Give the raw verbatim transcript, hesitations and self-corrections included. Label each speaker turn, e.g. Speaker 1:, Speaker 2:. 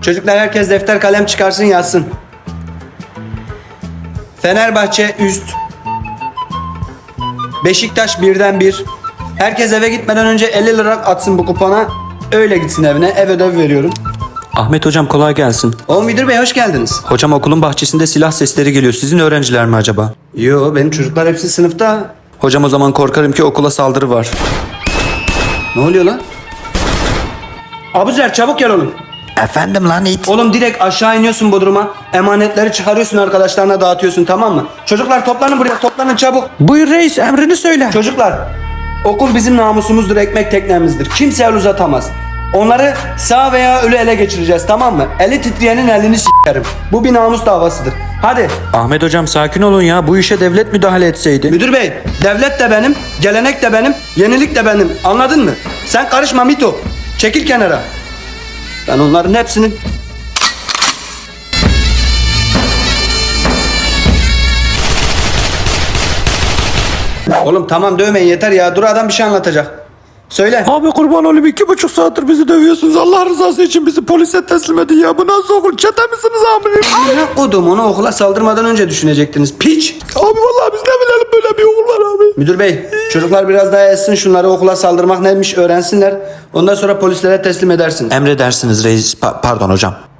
Speaker 1: Çocuklar herkes defter kalem çıkarsın yazsın. Fenerbahçe üst. Beşiktaş birden bir. Herkes eve gitmeden önce elli lira atsın bu kupona. Öyle gitsin evine. Ev ödevi veriyorum.
Speaker 2: Ahmet hocam kolay gelsin.
Speaker 1: O müdür bey hoş geldiniz.
Speaker 2: Hocam okulun bahçesinde silah sesleri geliyor. Sizin öğrenciler mi acaba?
Speaker 1: Yo benim çocuklar hepsi sınıfta.
Speaker 2: Hocam o zaman korkarım ki okula saldırı var.
Speaker 1: Ne oluyor lan? Abuzer çabuk gel oğlum.
Speaker 3: Efendim lan it.
Speaker 1: Oğlum direkt aşağı iniyorsun Bodrum'a. Emanetleri çıkarıyorsun arkadaşlarına dağıtıyorsun tamam mı? Çocuklar toplanın buraya toplanın çabuk.
Speaker 3: Buyur reis emrini söyle.
Speaker 1: Çocuklar okul bizim namusumuzdur, ekmek teknemizdir. Kimse el uzatamaz. Onları sağ veya ölü ele geçireceğiz tamam mı? Eli titreyenin elini s**erim. Bu bir namus davasıdır. Hadi.
Speaker 2: Ahmet hocam sakin olun ya. Bu işe devlet müdahale etseydi.
Speaker 1: Müdür bey, devlet de benim, gelenek de benim, yenilik de benim. Anladın mı? Sen karışma Mito. Çekil kenara. Ben onların hepsinin... Oğlum tamam dövmeyin yeter ya. Dur adam bir şey anlatacak. Söyle.
Speaker 3: Abi kurban olayım iki buçuk saattir bizi dövüyorsunuz. Allah rızası için bizi polise teslim edin ya. Bu nasıl okul? Çete misiniz amirim?
Speaker 1: Ne kodum onu okula saldırmadan önce düşünecektiniz. Piç.
Speaker 3: Abi vallahi biz ne bilelim böyle bir okul var abi.
Speaker 1: Müdür bey çocuklar biraz daha etsin şunları okula saldırmak neymiş öğrensinler. Ondan sonra polislere teslim edersiniz.
Speaker 2: Emredersiniz reis. Pa- pardon hocam.